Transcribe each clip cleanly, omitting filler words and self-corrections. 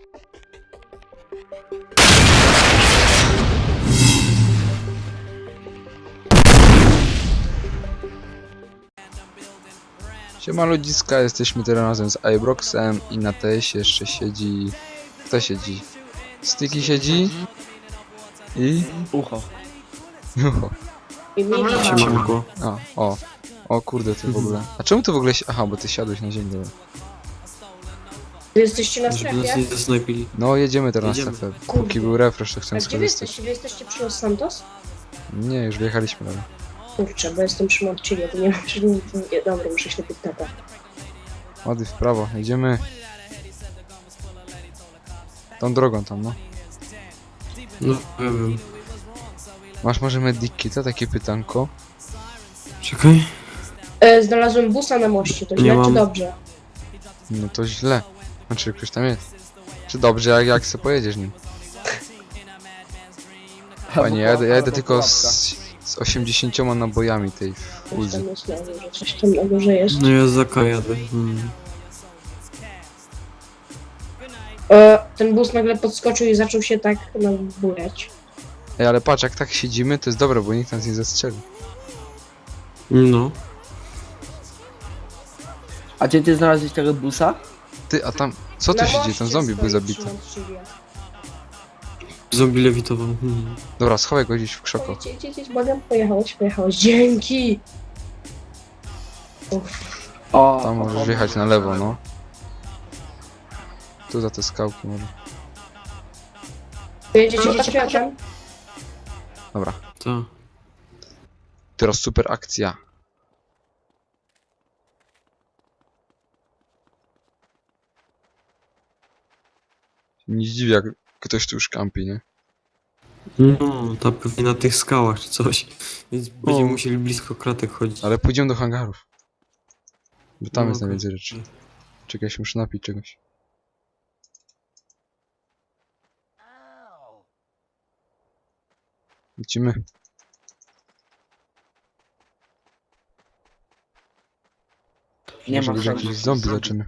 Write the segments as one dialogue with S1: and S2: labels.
S1: Siema ludziska, jesteśmy teraz razem z Ibroxem i na TS jeszcze siedzi... Kto siedzi? Sticky siedzi i...
S2: Ucho.
S1: Ucho.
S3: Siemanko.
S1: A, o. O kurde, ty w ogóle. A czemu ty w ogóle... Aha, bo ty siadłeś na ziemię. Dobra.
S4: Wy jesteście na
S3: Żeby nas
S4: strefie?
S3: nie zasnajpili.
S1: No jedziemy teraz
S3: Jedziemy.
S1: na strefę.
S4: Kurde.
S1: Póki był refresh, to
S4: A
S1: chcę
S4: gdzie wy
S1: skorzystać.
S4: jesteście? Wy jesteście przy Los Santos?
S1: Nie, już wyjechaliśmy dalej.
S4: Kurczę, bo jestem przy Montchiliad, to nie mam nie, dobra, muszę się napić tata.
S1: Ładnie w prawo, jedziemy. Tą drogą tam, no.
S3: No, ja wiem.
S1: Masz może medikita, takie pytanko?
S3: Czekaj.
S4: Znalazłem busa na moście, to
S3: Nie
S4: źle czy
S3: mam.
S4: dobrze?
S1: No to źle. Znaczy, ktoś tam jest. Czy dobrze, jak se pojedziesz nim? Panie, ja jedę tylko z 80 nabojami tej
S4: Coś
S1: fuzy.
S4: tam jest na górze, coś tam na górze jest.
S3: No ja za K jadę.
S4: Ten bus nagle podskoczył i zaczął się tak nabujać.
S1: Ej, ale patrz, jak tak siedzimy, to jest dobre, bo nikt nas nie zastrzeli.
S3: No.
S2: A gdzie ty znalazłeś tego busa?
S1: Ty, a tam... Co tu
S4: Na
S1: się dzieje?
S4: moście
S1: Tam zombie był
S4: stoi
S1: zabity.
S4: przy Montchiliad.
S3: Zombie lewitował.
S1: Dobra, schowaj go gdzieś w krzako.
S4: Jedź, błagam, pojechałeś. Dzięki!
S2: O,
S1: Tam możesz wjechać na lewo, no. Tu za te skałki może.
S4: Jedziecie patriotem?
S1: Dobra.
S3: Tak.
S1: Teraz super akcja. Nie zdziwię, jak ktoś tu już kampi, nie?
S3: No, ta pewnie na tych skałach czy coś. Więc będziemy musieli blisko kratek chodzić.
S1: Ale pójdziemy do hangarów. Bo tam
S3: No,
S1: jest
S3: okej.
S1: najwięcej rzeczy. Czekaj, się muszę napić czegoś. Lecimy.
S2: nie
S1: Może
S2: ma
S1: być jakiś zombie zaczymy.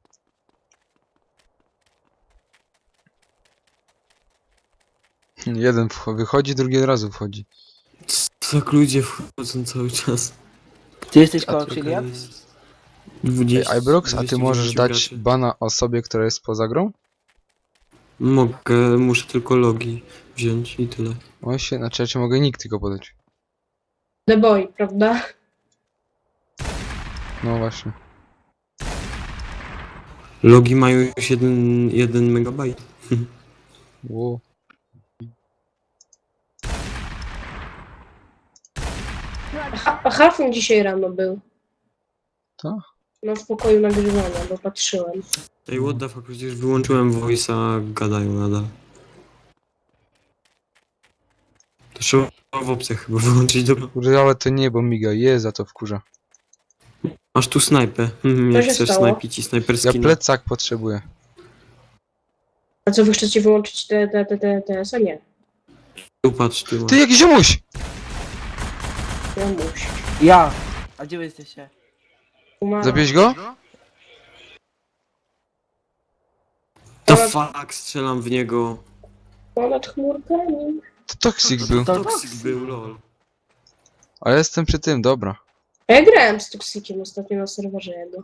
S1: Jeden wychodzi, drugi od razu wchodzi.
S3: Tak ludzie wchodzą cały czas.
S2: Ty jesteś koło
S3: Czekaj,
S2: Chiliad?
S3: jest
S1: Ej,
S3: 20,
S1: Ibrox, a ty
S3: 29
S1: możesz dać
S3: graczy.
S1: bana osobie, która jest poza grą?
S3: Mogę, muszę tylko logi wziąć i tyle.
S1: O się, znaczy ja ci mogę nick tylko podać.
S4: The Boy, prawda?
S1: No właśnie.
S3: Logi mają już 1 megabajt.
S1: Wow.
S4: A Halfon dzisiaj rano był.
S1: To?
S4: No w pokoju nagrywania, bo patrzyłem.
S3: Ej, what the fuck, przecież wyłączyłem voice, a gadają nadal. To trzeba w opcjach chyba wyłączyć, dobra.
S1: Kurde, ale to nie, bo miga, za to wkurza.
S3: Masz tu snajpę. Jak
S4: się
S3: chcesz
S4: stało?
S3: snajpić i
S1: Ja
S3: snajperski.
S1: plecak potrzebuję.
S4: A co wy chcecie wyłączyć TS-a? Nie.
S3: Tu patrz, tu
S1: Ty, jakiś ziomuś!
S4: Ja muszę.
S2: Ja! A gdzie wy jesteście?
S1: Zabierz go?
S3: The fuck, strzelam w niego.
S4: Ponad chmurkami.
S1: To Toxic był.
S2: To-
S3: Toxic był, lol.
S1: A ja jestem przy tym, dobra.
S4: A ja grałem z Toxikiem ostatnio na serwerze jego.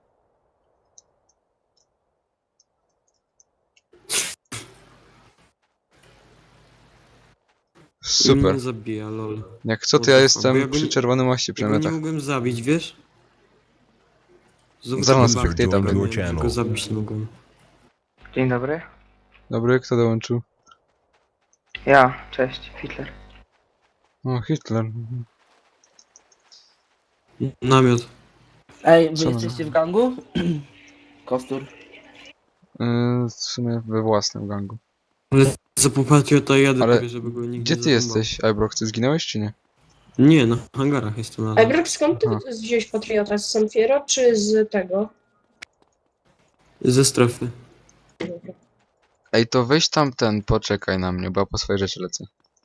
S1: Super.
S3: Mnie zabija, lol.
S1: Jak co, to
S3: Bo
S1: ja
S3: ja
S1: jestem
S3: go
S1: przy
S3: nie-
S1: czerwonym moście przy
S3: Ja go nie
S1: metach.
S3: mogłem zabić, wiesz?
S1: Zaraz
S3: Zobaczmy,
S1: spectator
S3: jak
S1: będzie.
S3: go zabić nie mogłem.
S5: Dzień dobry.
S1: Dobry, kto dołączył?
S5: Ja, cześć, Hitler.
S1: O, Hitler.
S3: Namiot.
S2: Ej, wy
S1: Co?
S2: jesteście w gangu? Kostur.
S1: W sumie we własnym gangu.
S3: Ale za patriota jadę,
S1: Ale
S3: prawie, żeby go nigdy
S1: Gdzie ty
S3: nie
S1: jesteś, Ibrox? Ty zginąłeś czy nie?
S3: zarąbał. Nie, na hangarach jestem
S4: A
S3: nadal.
S4: Brok, skąd ty
S1: Aha.
S4: wziąłeś Patriota? Z San Fierro czy z tego?
S3: Ze strefy.
S1: Ej, to weź tam poczekaj na mnie, bo ja po swoje rzeczy lecę.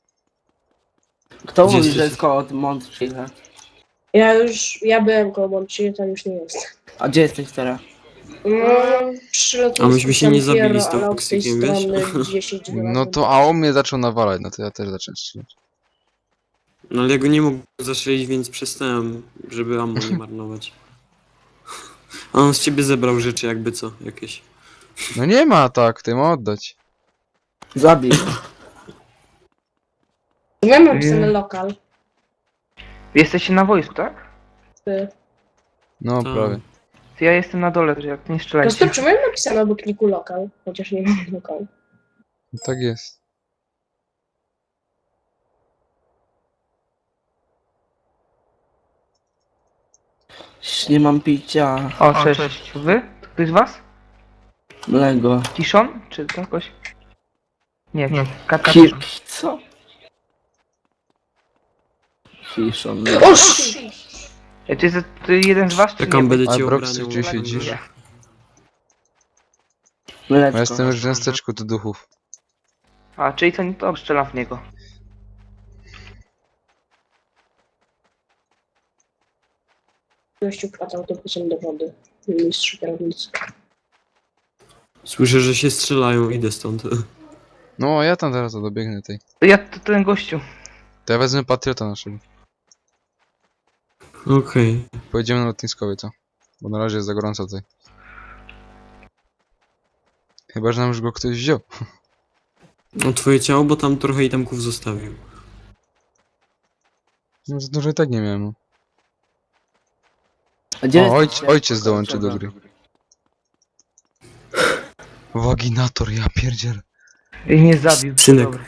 S2: Kto
S3: Gdzie
S2: mówi,
S3: jesteś?
S2: że jest koło Montchiliad?
S4: Ja byłem koło Montchiliad, tam już nie jest.
S2: A gdzie jesteś teraz?
S4: No, przy lotnisku
S3: A myśmy się nie
S4: San Fierro,
S3: zabili z
S4: ale od tej
S3: toksykiem, wiesz?
S4: strony 10
S1: No to, a on mnie zaczął nawalać, no to ja też zacząłem strzelać.
S3: No ale ja go nie mogłem zastrzelić, więc przestałem, żeby ammo nie marnować. A on z ciebie zebrał rzeczy jakby co, jakieś.
S1: No nie ma tak, ty ma oddać.
S2: Zabij.
S4: Mamy napisane lokal.
S5: Wy jesteście na wojsku, tak?
S1: No
S3: Tak.
S1: prawie.
S5: To ja jestem na dole, że jak nie
S4: No
S5: strzelajcie.
S4: to czemu mam napisane obok niku lokal? Chociaż nie mam lokal.
S1: No tak jest.
S2: Nie mam picia.
S5: O, cześć. Wy? Ktoś z was?
S2: Mlego.
S5: Kiszon? Czy jakoś? Nie, Katka.
S2: Co? Fiszon.
S4: O, shit!
S5: To jest to jeden z was, czy
S3: Jak on
S5: nie?
S3: będzie
S1: A
S3: cię
S1: Brox,
S3: obraniał.
S1: gdzie siedzisz?
S5: Nie.
S2: Mleczko.
S1: Ja jestem już w miasteczku do duchów.
S5: A, czyli to nie to strzelam w niego.
S4: Gościu wpadł autobusem do wody. Mistrz kierownicy.
S3: Słyszę, że się strzelają, idę stąd.
S1: No a ja tam teraz dobiegnę tej.
S5: To ten gościu.
S1: To ja wezmę patriota naszego.
S3: Okej.
S1: Pojedziemy na lotniskowie, co? Bo na razie jest za gorąco tutaj. Chyba, że nam już go ktoś wziął.
S3: No twoje ciało, bo tam trochę itemków zostawił.
S1: No za dużo i tak nie miałem. No.
S2: A gdzie
S1: O,
S2: jesteście?
S1: ojciec dołączy do gry. Waginator, ja pierdziel.
S5: I mnie zabił.
S3: Synek.
S5: Dobra.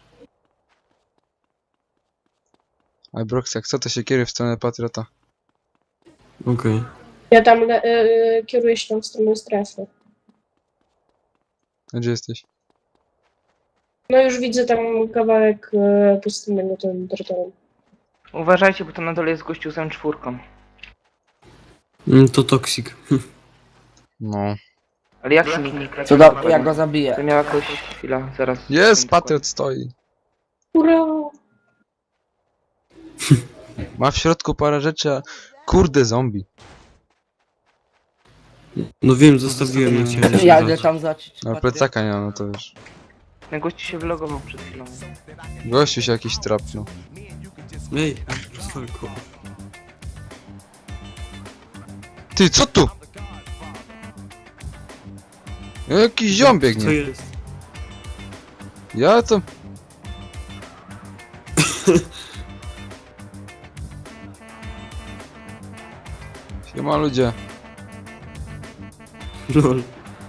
S1: A Brox, jak co to się kieruje w stronę patriota?
S3: Okej.
S4: Ja tam kieruję się tam w stronę strefy.
S1: A gdzie jesteś?
S4: No już widzę tam kawałek pustynnego tym terytorium.
S5: Uważajcie, bo to na dole jest gościu z M4.
S3: To toksik.
S1: No.
S5: Ale jak się nie
S2: Co do... Ja go zabiję.
S5: To miała jakoś chwila, zaraz.
S1: Jest, patriot stoi.
S4: Ura!
S1: Ma w środku parę rzeczy, a... Kurde, zombie.
S3: No wiem, zostawiłem, nie chciałem się
S2: Ja idę
S3: brać.
S2: tam zacząć.
S1: Ale plecaka nie ma, no to już.
S5: Ten gościu się wylogował przed chwilą.
S1: Gościu się jakiś trapnął.
S3: Ej, rozwalko.
S1: Ty, co tu? Jakiś ziom
S3: Co
S1: biegnie.
S3: jest?
S1: Ja to... Siema ludzie.
S3: Lol.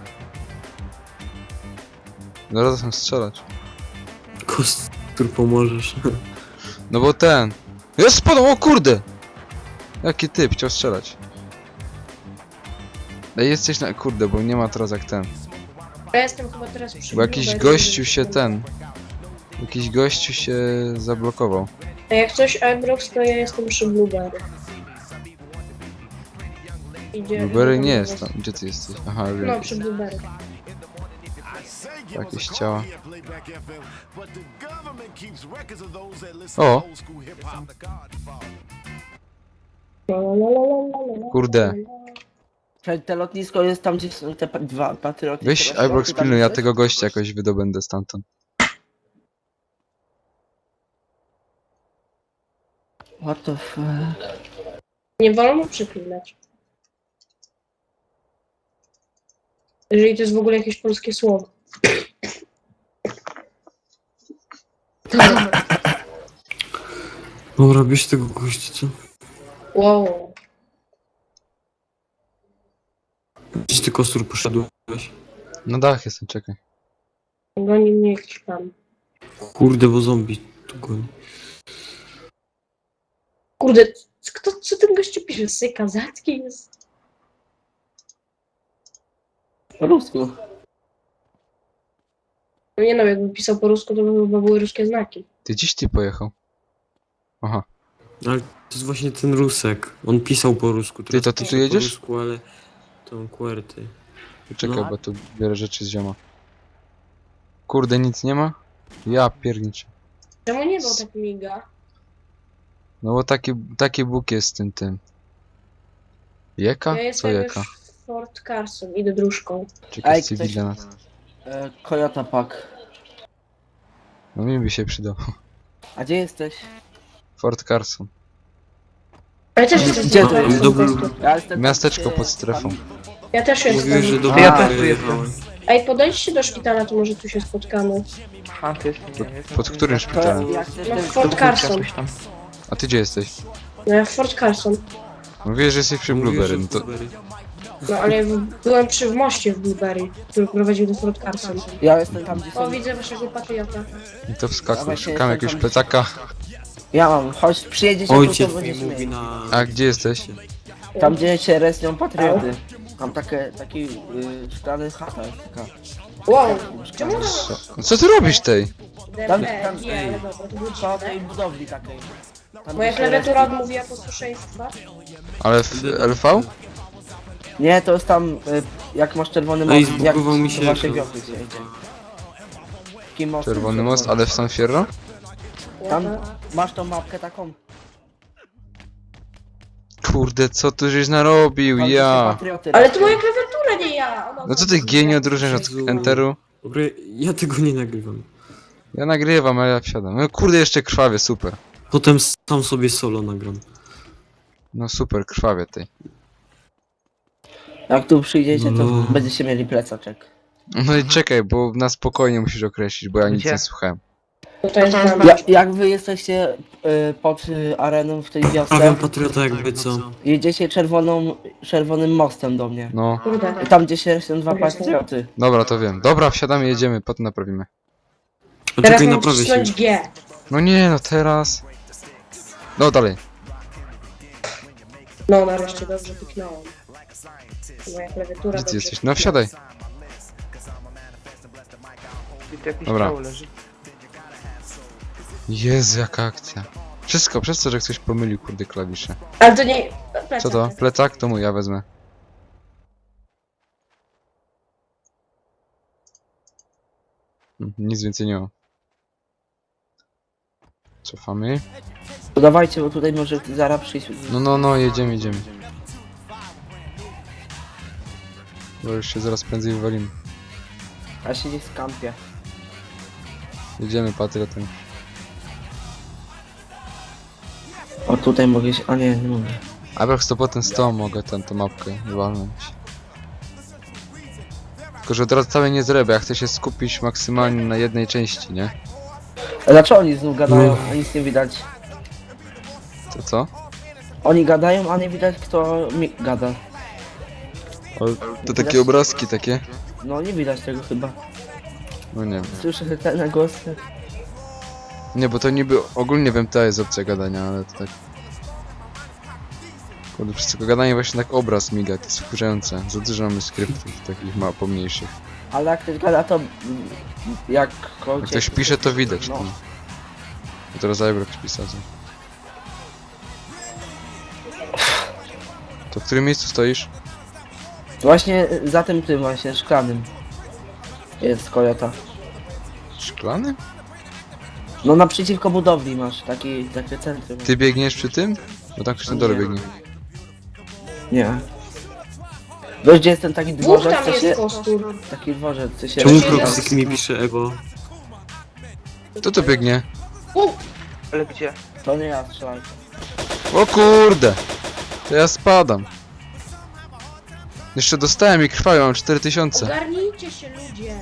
S1: Zaraz chcę strzelać.
S3: Kostur pomożesz.
S1: No bo ten... Jest spadł, o kurde! Jaki typ, chciał strzelać. Ej, jesteś na... Kurde, bo nie ma teraz jak ten.
S4: Ja jestem chyba teraz przy
S1: Bo jakiś
S4: Blueberry.
S1: gościu się ten... Jakiś gościu się zablokował.
S4: A jak coś Ibrox, to ja jestem przy Blueberry.
S1: Blueberry nie jest tam. Gdzie ty jesteś? Aha,
S4: No,
S1: wiem.
S4: przy Blueberry.
S1: Jakieś ciała.
S6: O!
S1: Kurde.
S2: Czekaj, te lotnisko jest tam, gdzie są te dwa patrioty.
S1: Weź
S2: teraz,
S1: Ibrox
S2: ty tam
S1: pilnuj, ja
S2: jesteś?
S1: tego gościa jakoś wydobędę stamtąd.
S2: What the fuck?
S4: Nie wolno przeklinać. Jeżeli to jest w ogóle jakieś polskie słowo.
S3: Dobra, bierz tego gościa, co?
S4: Wow.
S3: Gdzieś ty kostur poszedłeś?
S1: Na dach jestem, czekaj.
S4: Goni mnie jakiś pan.
S3: Kurde, bo zombie tu goni.
S4: Kurde, co ten gościu pisze? Syka, Zacki jest.
S2: Po rusku.
S4: No nie no, jakby pisał po rusku, to by chyba były ruskie znaki.
S1: Ty dziś ty pojechał. Aha.
S3: Ale to jest właśnie ten Rusek. On pisał po rusku. Teraz
S1: to ty tu
S3: pisze
S1: jedziesz?
S3: Po rusku, ale... To QWERTY.
S1: Poczekaj,
S3: No.
S1: bo tu biorę rzeczy z zioma. Kurde, nic nie ma? Ja pierniczę.
S4: Czemu nie był tak miga?
S1: No bo taki Bóg jest z tym. Jeka?
S4: Ja
S1: Co
S4: jestem
S1: jeka?
S4: już w Fort Carson, idę dróżką.
S1: Czekaj,
S2: Ej,
S1: cywilna nas.
S2: Kojota Pack.
S1: No mi by się przydał.
S2: A gdzie jesteś?
S1: Fort Carson.
S4: Ale też jestem
S2: Gdzie
S4: z
S2: to jest?
S4: po prostu.
S2: Ja jestem
S1: Miasteczko
S2: tam,
S1: pod
S2: gdzie-
S1: strefą.
S4: Ja też
S3: Mówiłeś, że
S4: jestem.
S3: do
S2: A,
S5: ja
S3: Bułgary
S5: też tu
S3: jechałem.
S4: Ej, podejdźcie do szpitala, to może tu się spotkamy.
S5: Aha, to jest nie wiem.
S1: Pod którym
S2: To
S1: szpitalem?
S2: jak chcesz
S4: No,
S2: ten...
S4: Fort Carson.
S5: Coś tam.
S1: A ty gdzie jesteś?
S4: No ja w Fort Carson.
S1: Mówiłeś, że jesteś przy
S3: Mówiłeś,
S1: Blueberry,
S3: że
S1: no to...
S3: Blueberry.
S4: No ale ja byłem przy moście w Blueberry, który prowadził do Fort Carson.
S2: Ja jestem tam, gdzie są...
S4: O, widzę waszego patriota.
S1: I to wskakuj,
S2: Dawaj,
S1: szukam
S2: jestem
S1: jakiegoś
S2: tam.
S1: plecaka.
S2: Ja mam, chodź, przyjedziesz,
S3: Ojciec
S2: to
S3: mi
S2: będziesz
S3: mówi
S2: mieć.
S3: na...
S1: A gdzie jesteś?
S2: Tam, gdzie się resnią patrioty. Tam taki szklany chata jest taka.
S4: Wow, czemu
S1: No co ty robisz tej?
S2: Tam-
S4: DB,
S2: tam-
S4: nie, ale dobra, to było
S2: Po tej
S4: dziwne.
S2: budowli takiej. Tam,
S4: Moja
S2: gdzie się
S4: klawiatura
S2: respią.
S4: odmówiła posłuszeństwa.
S1: Ale w LV?
S2: Nie, to jest tam, jak masz czerwony
S3: Ej,
S2: most, jak
S3: zbugował mi
S2: do
S3: się
S2: waszej
S3: ekran.
S2: wiosny się jedzie. Takim mostem
S1: Czerwony most, ale w San Fierro?
S2: Tam masz tą mapkę taką.
S1: Kurde, co tu żeś narobił,
S2: Tam, gdzie się
S1: ja!
S2: patrioty
S4: Ale
S2: respią.
S4: to moja klawiatura, nie ja! Ona
S1: No co ty genio odróżniasz od Enteru?
S3: Dobra, ja tego nie nagrywam.
S1: Ja nagrywam, ale ja wsiadam. No kurde, jeszcze krwawie, super.
S3: Potem sam sobie solo nagram.
S1: No super, krwawie tej.
S2: Jak tu przyjdziecie, to
S3: No.
S2: będziecie mieli plecaczek.
S1: No i czekaj, bo na spokojnie musisz określić, bo ja nic
S5: Gdzie?
S1: nie słuchałem.
S4: To jest dla mnie.
S2: Jak wy jesteście pod areną w tej wiosce,
S3: Prawiam patriota jakby co.
S2: jedziecie czerwonym mostem do mnie.
S1: No,
S4: Kurde.
S2: Tam, gdzie się są dwa patrioty.
S1: dobra, to wiem. Dobra, wsiadamy, jedziemy, potem naprawimy.
S3: A
S4: Teraz
S3: czekaj,
S4: mam
S3: naprawię się.
S4: wcisnąć G.
S1: No nie, no teraz. No dalej.
S4: No, nareszcie dobrze kliknąłem. Moja klawiatura
S1: Gdzie ty
S4: dobrze
S1: jesteś? No wsiadaj.
S5: I tu jakieś
S1: Dobra.
S5: ciało leży.
S1: Jezu, jaka akcja. Wszystko przez to, że ktoś pomylił, kurde, klawisze.
S4: Ale to nie... Plecak.
S1: Co to? Plecak? To mój, ja wezmę. Nic więcej nie ma. Cofamy.
S2: To dawajcie, bo tutaj może zaraz przyjść.
S1: No, jedziemy, jedziemy. Bo już się zaraz prędzej wywalimy.
S2: A się nie skampię.
S1: Jedziemy patriotem.
S2: O, tutaj mogę się... A nie, nie mogę.
S1: A jak to potem z tą mogę tą mapkę walnąć. Tylko, że teraz całej nie zrobię, ja chcę się skupić maksymalnie na jednej części, nie?
S2: A dlaczego oni znów gadają, a nic nie widać?
S1: To co?
S2: Oni gadają, a nie widać kto mi gada.
S1: O, to takie obrazki takie?
S2: No nie widać tego chyba.
S1: No nie wiem.
S2: Słyszę ten głos.
S1: Nie, bo to niby ogólnie w MTA jest opcja gadania, ale to tak... Kurde, przez tylko gadanie właśnie tak obraz miga, to jest wkurzające. Za dużo mamy skryptów takich pomniejszych.
S2: Ale jak ktoś gada, to jak
S1: Jak ktoś pisze, to widać.
S2: No.
S1: No. A teraz Ibrox pisał. To w którym miejscu stoisz?
S2: Właśnie za tym właśnie szklanym jest Kojota.
S1: Szklany?
S2: No naprzeciwko budowli masz takie centrum.
S1: Ty biegniesz przy tym? Bo tak ktoś na dole
S2: Nie.
S1: biegnie.
S2: Nie. Wiesz gdzie jest ten taki
S4: Dwóch
S2: dworzec,
S4: tam
S2: co się...
S4: jest kostur.
S2: Taki dworzec, co się...
S3: Czemu
S4: Siedem.
S3: Proxyk mi pisze Ewo?
S1: Kto to biegnie?
S5: Ale gdzie?
S2: To nie ja strzelaj.
S1: O kurde! To ja spadam. Jeszcze dostałem i krwają, mam 4000.
S4: Ogarnijcie się, ludzie.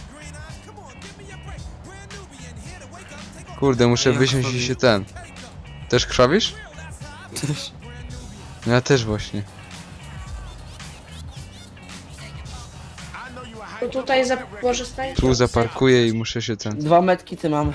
S1: Kurde, muszę
S3: Ja
S1: wysiąść i
S3: krwawię.
S1: się ten. Też krwawisz?
S3: Też.
S1: No ja też właśnie.
S4: To tutaj może stańcie.
S1: Tu zaparkuję i muszę się ten...
S2: 2 metki ty mam.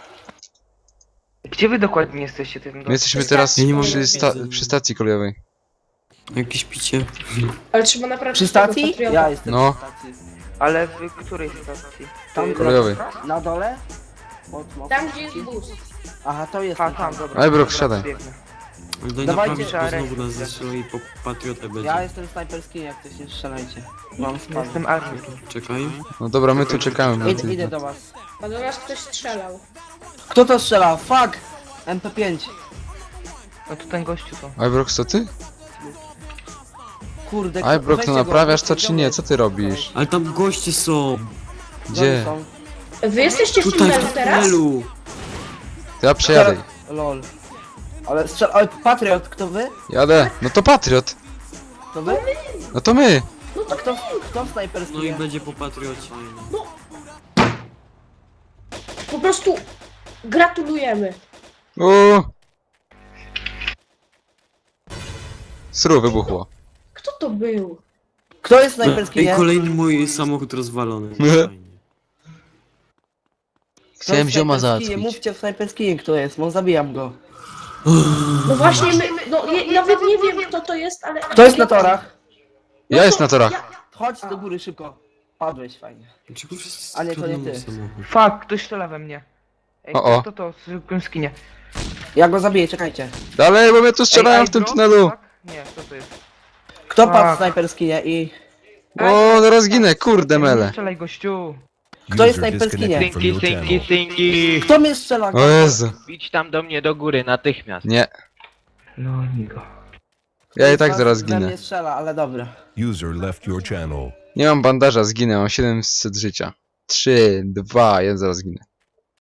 S5: Gdzie wy dokładnie jesteście tym
S1: My jesteśmy
S4: Przy
S1: teraz
S4: stacji
S3: Ja nie mam
S1: przy
S3: wiedzy.
S1: stacji kolejowej.
S3: Jakieś picie.
S4: Ale trzeba naprawdę
S2: Przy
S4: tego
S2: stacji?
S4: patriota.
S2: Ja jestem
S1: No.
S2: przy stacji.
S5: Ale w której stacji?
S2: Tam
S1: Kolejowej.
S2: Na dole? Pod mostem.
S4: Tam, gdzie jest bus.
S2: Aha, to jest.
S5: A tam, dobra.
S1: Ibrox,
S5: dobra,
S1: siadaj.
S5: biegnę.
S3: Ale daj
S2: Dawajcie,
S3: naprawić,
S5: trzeba
S3: bo znowu
S5: rękę
S3: nas
S5: zgrać.
S3: zestrzela i po patriotę będzie.
S2: Ja jestem snajperskim, jak coś nie strzelajcie. Mam spam.
S5: Jestem armią.
S3: Czekaj.
S1: No dobra, my tu czekamy. bo ty-
S2: Idę do was.
S4: A do nas ktoś strzelał.
S2: Kto to strzela? Fuck! MP5.
S5: No to ten gościu to.
S1: Ibrox, to ty?
S2: Kurde,
S1: Ibrox,
S2: weźcie
S1: no
S2: go,
S1: naprawiasz to
S2: weźcie
S1: czy
S2: go,
S1: nie? Co ty robisz?
S3: Ale tam goście są.
S1: Gdzie?
S2: Są.
S4: Wy jesteście w
S3: Tutaj
S4: tunelu
S3: w
S4: teraz?
S3: tunelu.
S1: To ja przejadę.
S2: Lol. Ale ale Patriot, kto wy?
S1: Jadę. No to Patriot.
S2: To wy?
S1: No to my.
S2: A kto w snajperski?
S3: No i będzie po patriocie.
S4: Po prostu gratulujemy.
S1: Uuu. Sru wybuchło.
S4: Kto to był?
S2: Kto jest snajperski,
S3: Ej,
S2: nie?
S3: kolejny mój samochód rozwalony.
S1: Nie.
S3: Fajnie.
S2: Kto
S1: Chciałem
S2: jest
S1: zioma
S2: snajperski?
S1: załatwić.
S2: Mówcie w snajperski, kto jest, bo zabijam go.
S4: No właśnie, no nawet nie wiem kto to jest, ale...
S2: Kto jest na torach?
S1: Ja jest na torach.
S2: Chodź do góry szybko. Padłeś, fajnie.
S3: Dlaczego wszyscy
S2: A nie, to nie
S3: kradną
S2: ty.
S3: samochód?
S5: Fuck, ktoś strzela we mnie. Ej,
S1: O.
S5: kto to? Zwykłym skinie.
S2: Ja go zabiję, czekajcie.
S1: Dalej, bo mnie tu strzelają w tym
S5: Ibrox?
S1: tunelu.
S5: Fuck? Nie, co to jest?
S2: Kto padł w
S5: Tak.
S2: snajperski, nie? I...
S1: O, zaraz ginę, kurde
S5: Nie
S1: mele.
S5: strzelaj, gościu.
S2: Kto jest
S7: User
S2: snajperski, nie?
S7: disconnected from your channel.
S8: Stinky.
S2: Kto mnie strzela?
S1: O Jezu.
S8: Idź tam do mnie do góry natychmiast.
S1: Nie,
S5: No, nigo.
S1: ja i tak
S2: Kto
S1: zaraz
S2: we
S1: ginę.
S2: mnie strzela, ale dobra.
S7: User left your channel.
S1: Nie mam bandaża, zginę, mam 700 życia. 3, 2, 1, zaraz ginę.